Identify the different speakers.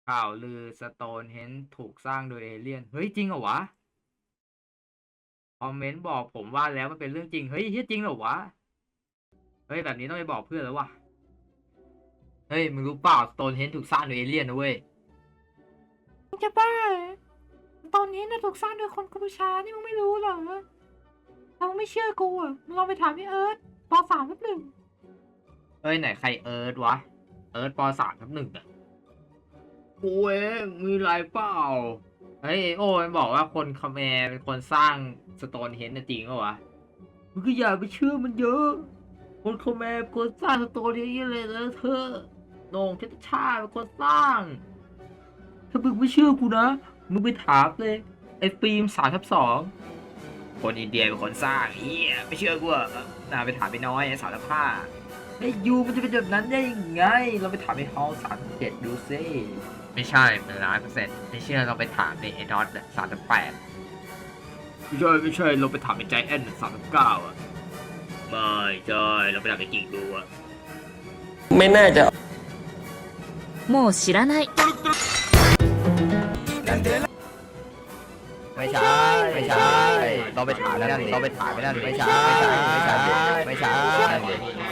Speaker 1: ข่าวลือสโตนเฮนจ์ถูกสร้างโดยเอเลี่ยนเฮ้ยจริงเหรอวะคอมเมนต์บอกผมว่าแล้วมันเป็นเรื่องจริงเฮ้ยจริงเหรอวะเฮ้ยแบบนี้ต้องไปบอกเพื่อนแล้ววะเฮ้ยมึงรู้เปล่าสโตนเฮนจ์ถูกสร้างโดยเอเลี่ยนนะเว้ย
Speaker 2: มึงจะบ้าเหรอตอนนี้นะถูกสร้างโดยคนกัมพูชานี่มึงไม่รู้เหรอถ้ามึงไม่เชื่อกูอ่ะมึงลองไปถามพี่เอิร์ธป.3/1
Speaker 1: เฮ้ยไหนใครเอิร์ธวะเอิร์ธป.3/1อะกูเองมีไรเปล่าเฮ้ยโอ้มันบอกว่าคนคาแมร์เป็นคนสร้างสโตนเฮนจ์จริงเหรอวะมึงก็อย่าไปเชื่อมันเยอะคนคาแมร์เป็นคนสร้างสโตนเฮนจ์เลยนะเธอโหน่งเพชรชาติเป็นคนสร้าง ถ้ามึงไม่เชื่อกูนะ มึงไปถามเลยไอ้ฟิล์ม3/2คนอินเดียเป็นคนสร้างเฮียไม่เชื่อกูอ่ะน่าไปถามไปน้อย3/5ไอ้ยูมันจะเป็นแบบนั้นได้ยังไง เราไปถามไอ้ฮอล3/7ดูซิไม่ใช่เป็น100%ไม่เชื่อเราไปถามในไอ้น็อต3/8ไม่ใช่เราไปถามไอ้ใจแอน3/9อ่ะไม่ใช่เราไปถามไอ้กิ่งดูอ่ะ
Speaker 3: ไม่น่าจะ
Speaker 4: もう知らない。
Speaker 5: ไม่ใช่ไม่ใช่เราไปถามไม่นั่นเราไปถามไม่นั่นไม่ใช่ไม่ใช่ไม่ใช่